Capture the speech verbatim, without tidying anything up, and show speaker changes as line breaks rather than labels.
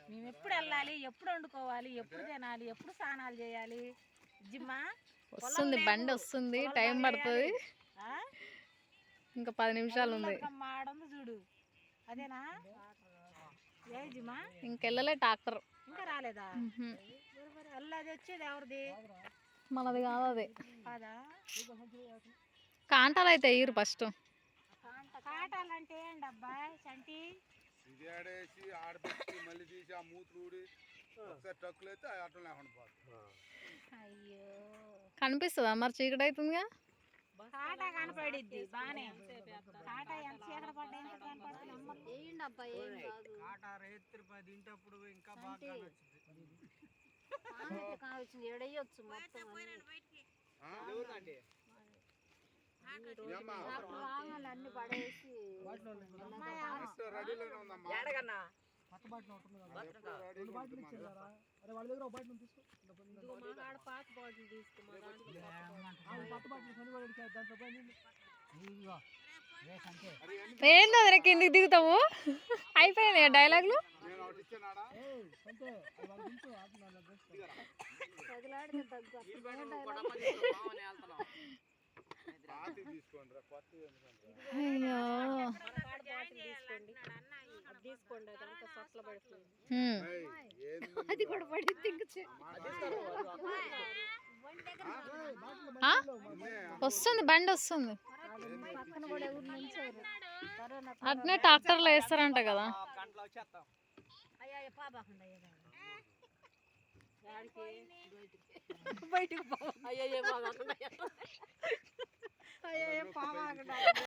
మేము ఎప్పుడు వెళ్ళాలి, ఎప్పుడు వండుకోవాలి, ఎప్పుడు తినాలి, ఎప్పుడు స్నానాలు చేయాలి? జిమ్మా
వస్తుంది బండి వస్తుంది, టైం పడుతుంది. ఇంకా పది నిమిషాలు ఉంది.
మాడంది చూడు, అదేనా? ఏ జిమ్మా
ఇంకెళ్ళలే ట్రాక్టర్
ఇంకా రాలేదా? అది వచ్చేది ఎవరిది?
మనది కాదు అది.
కాదా?
కాంటాలు అయితే ఎయ్యరు ఫస్ట్.
కాటాలు అంటే ఏంటి అబ్బాయి? చంటి
ఇది ఆడేసి ఆడబెట్టి మళ్ళీ తీసి ఆ మూతులు ఊడి ఒకసారి ట్రక్కులు అయితే అట్లా లేకుండా పోతుంది.
అయ్యో
కనిపిస్తుందా మరి? చీకటి అవుతుందిగా.
కాటా కనపడిద్ది బానే. కాటా ఎంత చీకటి పడ్డా ఎంత కనపడుతుంది అబ్బాయి?
తింటప్పుడు ఇంకా బాగా
కావచ్చు ఎడయ్యొచ్చు మొత్తం అన్ని పడేసి
రెడీలోనే ఉందమ్మా.
కొత్త బాటిల్ ఉంటుంది కదా, రెండు బాటిల్ ఇచ్చారా? అరే వాళ్ళ దగ్గర ఒక బాటిల్ తీసుకో.
పాత బాటిల్ తీసుకో,
కొత్త బాటిల్ కొనుగోలు దాంట్లో పోయి
ఏంది అదే కిందికి దిగుతావు? అయిపోయింది డైలాగులు.
నేను ఒకటి ఇచ్చానాడా?
అంతే వాళ్ళు దించు
పాతి తీసుకోండి రా, కొత్త
అయ్యో
తీసుకోండి, అదంతా సొట్ల పడుతుంది.
అది కూడా పడింది. వస్తుంది బండి వస్తుంది. అట్నే ట్రాక్టర్లో వేస్తారంట కదా.
బయటికి